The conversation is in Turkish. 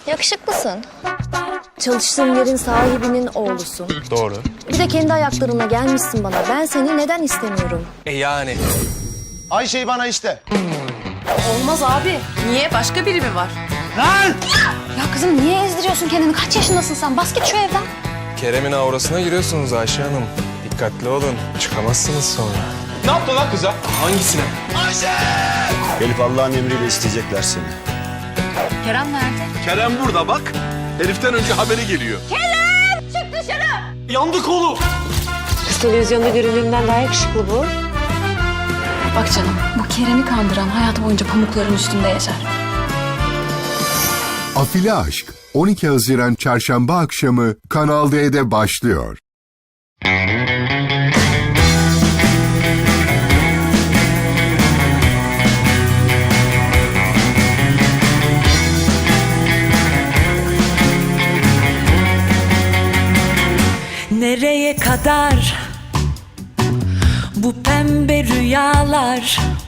Yakışıklısın. Çalıştığın yerin sahibinin oğlusun. Doğru. Bir de kendi ayaklarına gelmişsin bana. Ben seni neden istemiyorum? Yani. Ayşe'yi bana iste. Olmaz abi. Niye? Başka biri mi var? Ya kızım niye ezdiriyorsun kendini? Kaç yaşındasın sen? Bas git şu evden. Kerem'in aurasına giriyorsunuz Ayşe Hanım. Dikkatli olun. Çıkamazsınız sonra. Ne yaptın lan kıza? Hangisine? Gelip Allah'ın emriyle isteyecekler seni. Kerem nerede? Kerem burada bak. Heriften önce haberi geliyor. Yandık oğlum. Kız televizyonda göründüğünden daha yakışıklı bu. Bak canım, bu Kerem'i kandıran hayatı boyunca pamukların üstünde yaşar. Afili Aşk 12 Haziran Çarşamba akşamı Kanal D'de başlıyor. Nereye kadar bu pembe rüyalar?